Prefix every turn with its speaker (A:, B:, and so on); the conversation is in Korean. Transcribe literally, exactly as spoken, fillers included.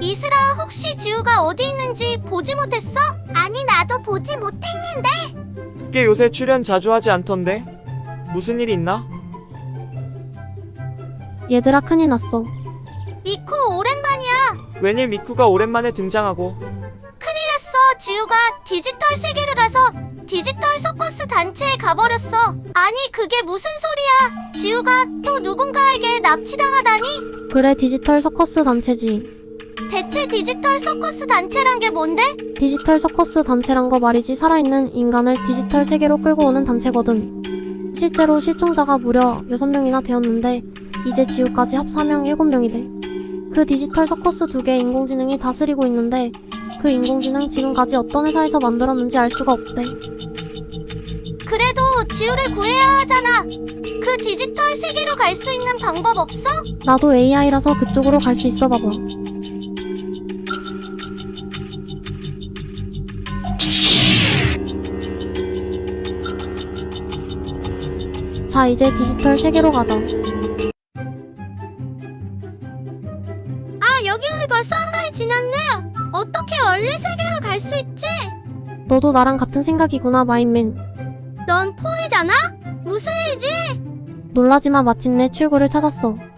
A: 이슬아, 혹시 지우가 어디 있는지 보지 못했어? 아니, 나도 보지 못했는데.
B: 걔 요새 출연 자주 하지 않던데? 무슨 일이 있나?
C: 얘들아, 큰일 났어.
A: 미쿠, 오랜만이야.
B: 웬일 미쿠가 오랜만에 등장하고.
A: 큰일 났어. 지우가 디지털 세계를 가서 디지털 서커스 단체에 가버렸어. 아니, 그게 무슨 소리야. 지우가 또 누군가에게 납치당하다니?
C: 그래, 디지털 서커스 단체지.
A: 대체 디지털 서커스 단체란 게 뭔데?
C: 디지털 서커스 단체란 거 말이지, 살아있는 인간을 디지털 세계로 끌고 오는 단체거든. 실제로 실종자가 무려 여섯 명이나 되었는데 이제 지우까지 합사명 일곱 명이 돼. 그 디지털 서커스 두 개의 인공지능이 다스리고 있는데 그 인공지능 지금까지 어떤 회사에서 만들었는지 알 수가 없대.
A: 그래도 지우를 구해야 하잖아. 그 디지털 세계로 갈 수 있는 방법 없어?
C: 나도 에이아이라서 그쪽으로 갈 수 있어. 봐봐. 자, 이제 디지털 세계로 가자.
A: 아, 여기 오니 벌써 한 달이 지났네. 어떻게 원래 세계로 갈 수 있지?
C: 너도 나랑 같은 생각이구나, 마인맨.
A: 넌 포이잖아? 무슨 일이지?
C: 놀라지마, 마침내 출구를 찾았어.